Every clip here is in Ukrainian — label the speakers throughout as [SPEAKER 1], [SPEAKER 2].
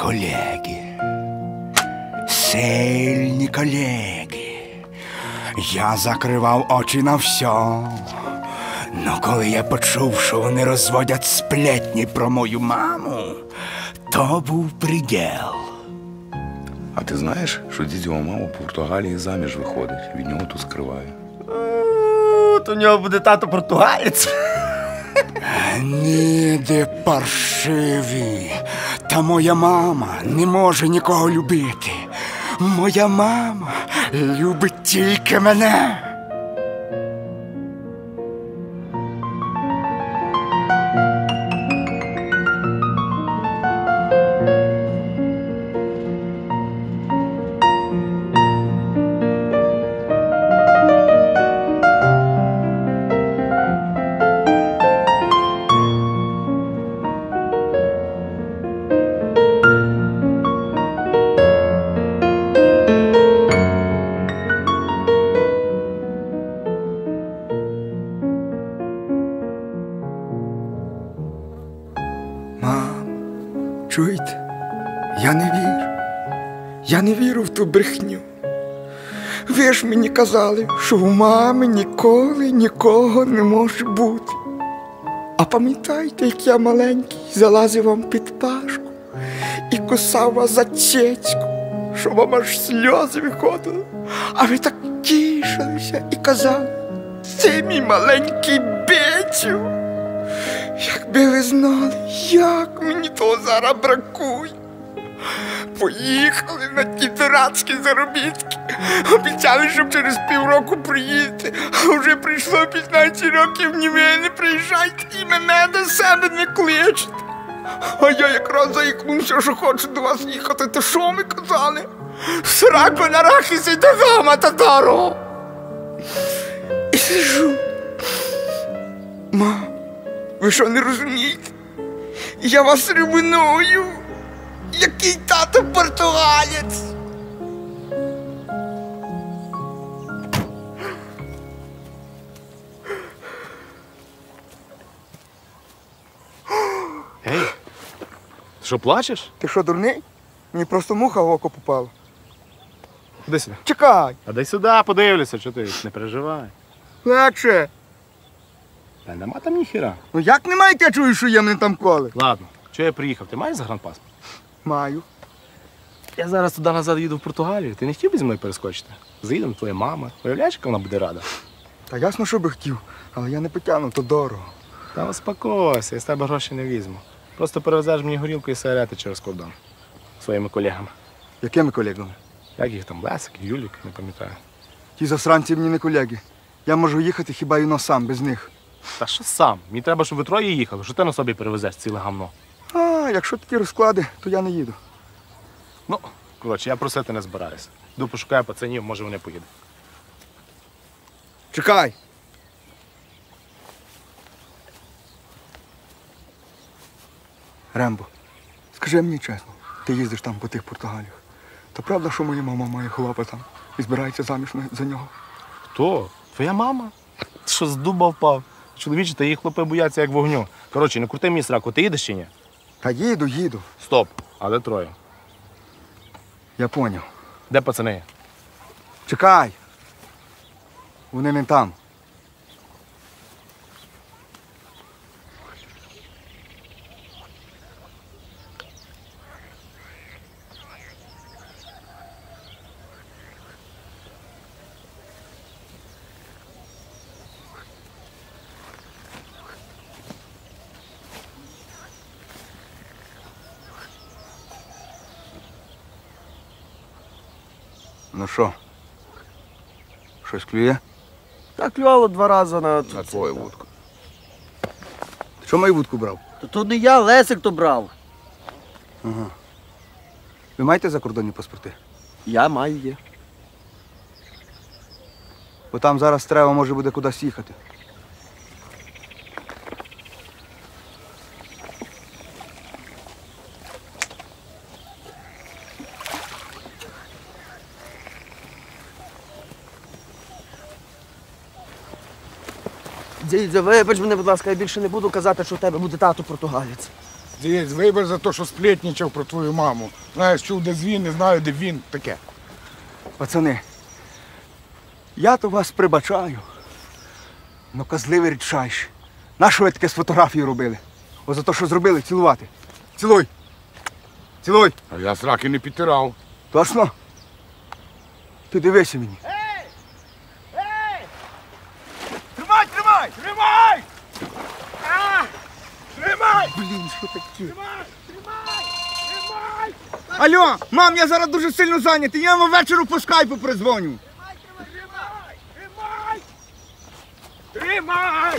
[SPEAKER 1] колеги. Сильні колеги. Я закривав очі на все. Но коли я почув, що вони розводять сплетні про мою маму, то був приділ.
[SPEAKER 2] А ти знаєш, що дідьова мама в Португалії заміж виходить, від нього тут скриває?
[SPEAKER 3] То у нього буде тато португалець.
[SPEAKER 1] Ніде паршиві. Та моя мама не може нікого любити. Моя мама любить тільки мене. Чуєте? Я не вірю. Я не вірю в ту брехню. Ви ж мені казали, що у мами ніколи нікого не може бути. А пам'ятаєте, як я маленький залазив вам під пашку і кусав вас за цецьку, що вам аж сльози виходили, а ви так тішилися і казали: це мій маленький Бетю. Якби ви знали, як мені того зараз бракує. Поїхали на ті дурацькі заробітки. Обіцяли, щоб через півроку приїдете. А вже прийшло 15 років, ні ви не приїжджайте і мене до себе не кличете. А я якраз заїкнувся, що хочу до вас їхати. То що ми казали? Сраку на рахісі до гама татаро. І сижу. Мам, ви що не розумієте? Я вас ревную. Який тато португалець?
[SPEAKER 3] Ей, ти що, плачеш?
[SPEAKER 1] Ти що, дурний? Мені просто муха в око попала.
[SPEAKER 3] Ходи сюди.
[SPEAKER 1] Чекай!
[SPEAKER 3] А дай сюди, подивлюся, що ти, не переживай.
[SPEAKER 1] Легше.
[SPEAKER 3] Та нема там ніхіра.
[SPEAKER 1] Ну як немає, я чую, що є мене там коли?
[SPEAKER 3] Ладно, чого я приїхав? Ти маєш загранпаспорт?
[SPEAKER 1] Маю.
[SPEAKER 3] Я зараз туди-назад їду в Португалію. Ти не хотів би зі мною перескочити? Заїдемо, твоя мама. Уявляєш, яка вона буде рада?
[SPEAKER 1] Та ясно, що би хотів, але я не потягну, то дорого.
[SPEAKER 3] Та успокойся, я з тебе гроші не візьму. Просто перевезеш мені горілку і сигарети через кордон. Своїми колегами.
[SPEAKER 1] Якими колегами?
[SPEAKER 3] Як їх там, Лесик, Юлік, не пам'ятаю.
[SPEAKER 1] Ті засранці мені не колеги. Я можу їхати хіба й сам, без них.
[SPEAKER 3] Та що сам? Мені треба, щоб ви троє їхали. Що ти на собі перевезеш ціле гамно?
[SPEAKER 1] А, якщо такі розклади, то я не їду.
[SPEAKER 3] Ну, коротше, я просити не збираюся. Йду пошукаю пацанів, може вони поїдуть.
[SPEAKER 1] Чекай! Рембо, скажи мені чесно, ти їздиш там по тих Португаліях. То правда, що моя мама має хлопа там і збирається заміж за нього?
[SPEAKER 3] Хто? Твоя мама? Ти що, з дуба впав? Чоловічі, та її хлопи бояться як вогню. Коротше, не крути мені сраку, ти їдеш чи ні?
[SPEAKER 1] Та їду.
[SPEAKER 3] Стоп. А де троє?
[SPEAKER 1] Я поняв.
[SPEAKER 3] Де пацани?
[SPEAKER 1] Чекай! Вони не там. Ну що? Щось клює?
[SPEAKER 4] Так клювало 2 рази на
[SPEAKER 2] твою вудку.
[SPEAKER 1] Ти що мою вудку брав?
[SPEAKER 4] То не я, Лесик то брав.
[SPEAKER 1] Ага. Ви маєте закордонні паспорти?
[SPEAKER 4] Я маю є.
[SPEAKER 1] Бо там зараз треба може буде кудись їхати.
[SPEAKER 4] Дідзя, вибач мене, будь ласка, я більше не буду казати, що в тебе буде тато португалець.
[SPEAKER 5] Дивись, вибір за те, що сплетничав про твою маму. Знаєш, чув, де він, не знаю, де він. Таке.
[SPEAKER 1] Пацани, я то вас прибачаю. Ну, козливий рідчайші. Нащо ви таке з фотографією робили? О, за те, що зробили, цілувати. Цілуй. Цілуй.
[SPEAKER 5] А я сраки не підтирав.
[SPEAKER 1] Точно? Ти дивися мені.
[SPEAKER 5] Тримай, тримай! Тримай! Тримай!
[SPEAKER 1] Блін, що таке?
[SPEAKER 5] Тримай! Тримай!
[SPEAKER 1] Алло, мам, я зараз дуже сильно зайнятий. Я вам ввечері по скайпу призвоню.
[SPEAKER 5] Тримай! Тримай! Тримай!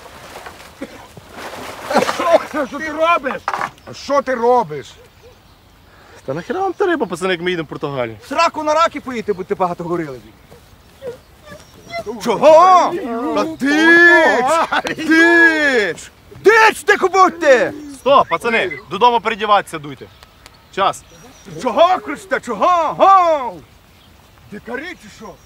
[SPEAKER 5] Що ти робиш? А що ти робиш?
[SPEAKER 3] Та нахіра вам та риба, пацани, як ми їдемо в Португалію?
[SPEAKER 1] В сраку на раки поїти, бо ти багато горили. Чого? Та дич! Дич! Дич, тихо будьте!
[SPEAKER 3] Стоп, пацани, додому передіватися дуйте. Час.
[SPEAKER 1] Чого кричите? Чого? Гоу! Дикарі чи що?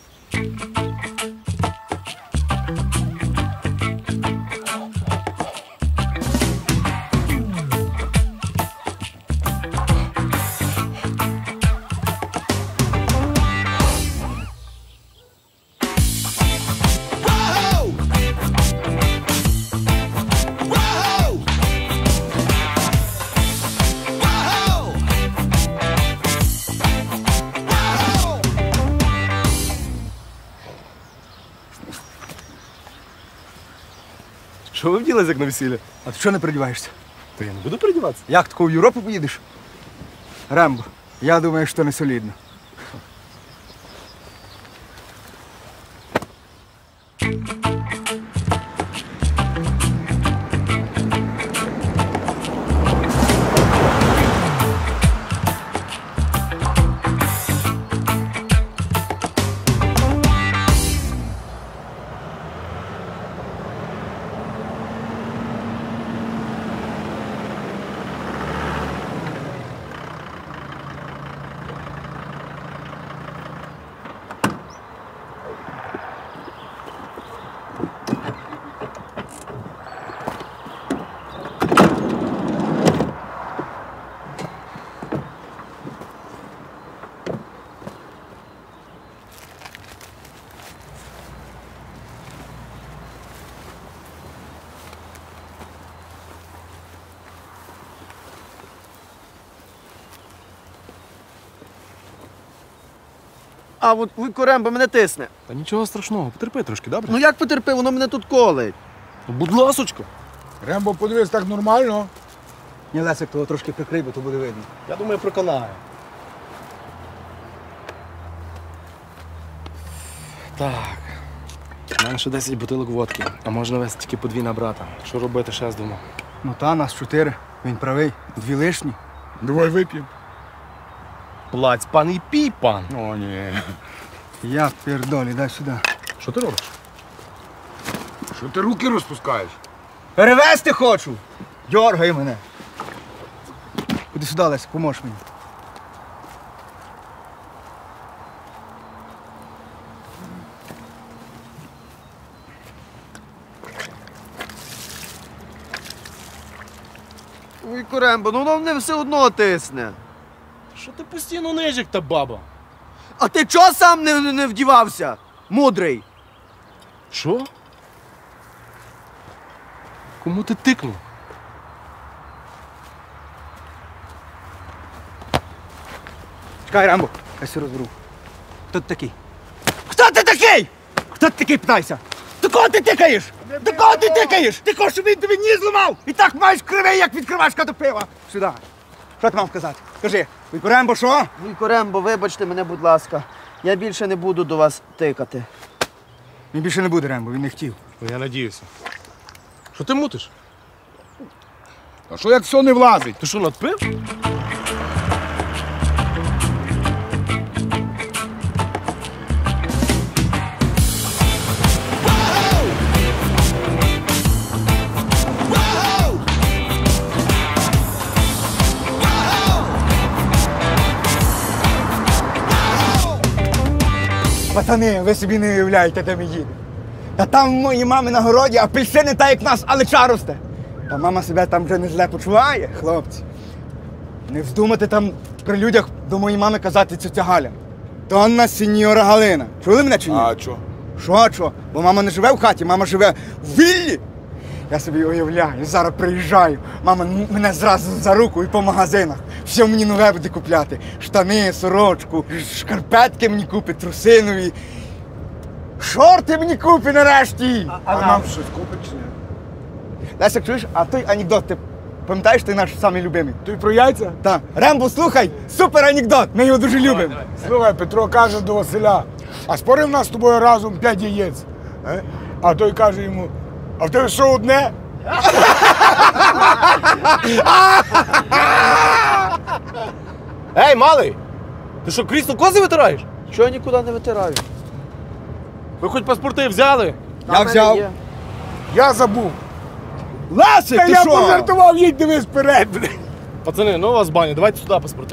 [SPEAKER 3] Що ви вділись, як на весілля?
[SPEAKER 1] А ти чого не передіваєшся?
[SPEAKER 3] Та я не буду передіватися.
[SPEAKER 1] Як тако в Європу поїдеш? Рембо, я думаю, що не солідно.
[SPEAKER 4] А от Вуйко Рембо мене тисне.
[SPEAKER 3] Та нічого страшного, потерпи трошки, добре?
[SPEAKER 4] Ну як потерпи, воно мене тут колить.
[SPEAKER 3] Будь ласочка.
[SPEAKER 5] Рембо, подивись, так нормально.
[SPEAKER 1] Ні, Лесик, того трошки прикрий, бо то буде видно.
[SPEAKER 3] Я думаю, проконаю. Так. У мене ще 10 бутилок водки, а можна вести тільки по 2 на брата. Що робити, ще думав.
[SPEAKER 1] Ну та, нас 4. Він правий. 2 лишні.
[SPEAKER 5] Давай вип'ємо.
[SPEAKER 3] Плаць, пан і пій, пан.
[SPEAKER 5] О, ні.
[SPEAKER 1] Я пердолі, дай сюди.
[SPEAKER 3] Що ти робиш?
[SPEAKER 5] Що ти руки розпускаєш?
[SPEAKER 1] Перевезти хочу! Дьоргай мене. Ходи сюди, Лесик, поможеш мені.
[SPEAKER 4] Вуйко Рембо, ну воно мене все одно тисне.
[SPEAKER 3] Що ти постійно нижик та баба?
[SPEAKER 4] А ти чого сам не вдівався? Мудрий.
[SPEAKER 3] Що? Кому ти тикнув?
[SPEAKER 1] Чекай, Рембо, я все розберу. Хто ти такий? Хто ти такий? Хто ти такий, питайся? До кого ти тикаєш? До кого ти тикаєш? Ти хочеш, щоб він тобі ніс зламав? І так маєш кривий, як відкривашка до пива. Сюди. Що ти мав сказати? Кажи, Вуйко Рембо, що?
[SPEAKER 4] Вуйко Рембо, вибачте мене, будь ласка. Я більше не буду до вас тикати.
[SPEAKER 1] Він більше не буде, Рембо, він не хотів.
[SPEAKER 3] Ну, я надіюся. Що ти мутиш?
[SPEAKER 5] А що як все не влазить?
[SPEAKER 3] Ти що, надпив?
[SPEAKER 1] Пацани, ви собі не уявляєте, де ми їдемо. Та там в моїй мами на городі апельсини та як нас, але росте. Та мама себе там вже не зле почуває, хлопці. Не вздумайте там при людях до моєї мами казати тетя Галя. Донна сеньора Галина. Чули мене чи ні?
[SPEAKER 5] А що?
[SPEAKER 1] Що? Бо мама не живе в хаті, мама живе в віллі. Я собі уявляю, зараз приїжджаю, мама мене зразу за руку і по магазинах. Все мені нове буде купляти. Штани, сорочку, шкарпетки мені купить, труси нові. Шорти мені купить нарешті.
[SPEAKER 5] А нам щось купить чи ні?
[SPEAKER 1] Лесик, чуєш, а той анекдот, ти пам'ятаєш, ти наш самий любимий?
[SPEAKER 5] Ти про яйця?
[SPEAKER 1] Так. Рембо, слухай, супер анекдот, ми його дуже любимо.
[SPEAKER 5] Слухай, Петро каже до Василя, а спорив нас з тобою разом 5 яєць. А той каже йому, а в тебе що одне?
[SPEAKER 3] Ей, малий! Ти що, крісло кози витираєш?
[SPEAKER 4] Чого я нікуди не витираю?
[SPEAKER 3] Ви хоч паспорти взяли?
[SPEAKER 1] Я взяв.
[SPEAKER 4] Є.
[SPEAKER 5] Я забув.
[SPEAKER 1] Лесик,
[SPEAKER 5] Та
[SPEAKER 1] ти
[SPEAKER 5] я
[SPEAKER 1] що?
[SPEAKER 5] пожартував, їдь дивись вперед, блін.
[SPEAKER 3] Пацани, ну у вас баня, давайте сюди паспорти.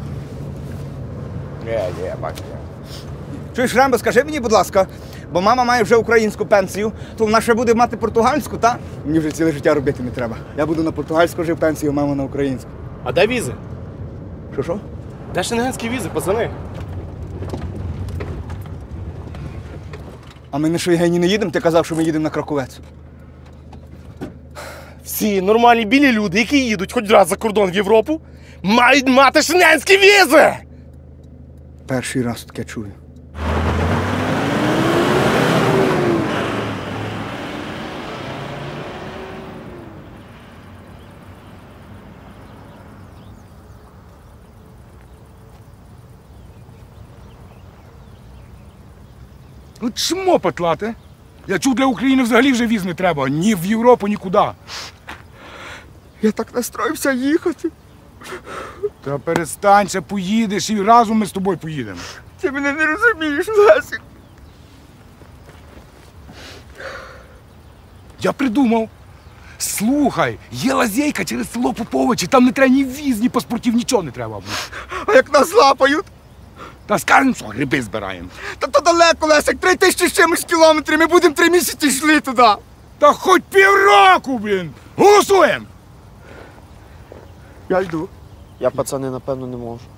[SPEAKER 5] Бачу.
[SPEAKER 1] Чуєш, Рембо, скажи мені, будь ласка, бо мама має вже українську пенсію, то вона ще буде мати португальську, та? Мені вже ціле життя робити не треба. Я буду на португальську жив пенсію, мама на українську.
[SPEAKER 3] А де візи?
[SPEAKER 1] Що?
[SPEAKER 3] Де шенгенські візи, пацани?
[SPEAKER 1] А ми на Шойгені не їдемо? Ти казав, що ми їдемо на Краковець.
[SPEAKER 3] Всі нормальні білі люди, які їдуть хоч раз за кордон в Європу, мають мати шенгенські візи!
[SPEAKER 1] Перший раз таке чую.
[SPEAKER 5] Ну чмо петлати? Я чув, для України взагалі вже віз не треба. Ні в Європу, нікуди.
[SPEAKER 1] Я так настроївся їхати.
[SPEAKER 5] Та перестань, ще поїдеш і разом ми з тобою поїдемо.
[SPEAKER 1] Ти мене не розумієш, Лесик.
[SPEAKER 5] Я придумав. Слухай, є лазейка через село Поповичі, там не треба ні віз, ні паспортів, нічого не треба.
[SPEAKER 1] А як нас лапають?
[SPEAKER 5] Та скажемо, що гриби збираємо.
[SPEAKER 1] Та то далеко, Лесик, 3000 з чимось кілометрів, ми будемо 3 місяці йшли туди.
[SPEAKER 5] Та хоч півроку, блін! Голосуємо!
[SPEAKER 1] Я йду.
[SPEAKER 4] Я, пацани, напевно, не можу.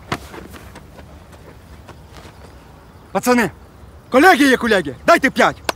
[SPEAKER 1] Пацани, колеги є колеги, дайте 5.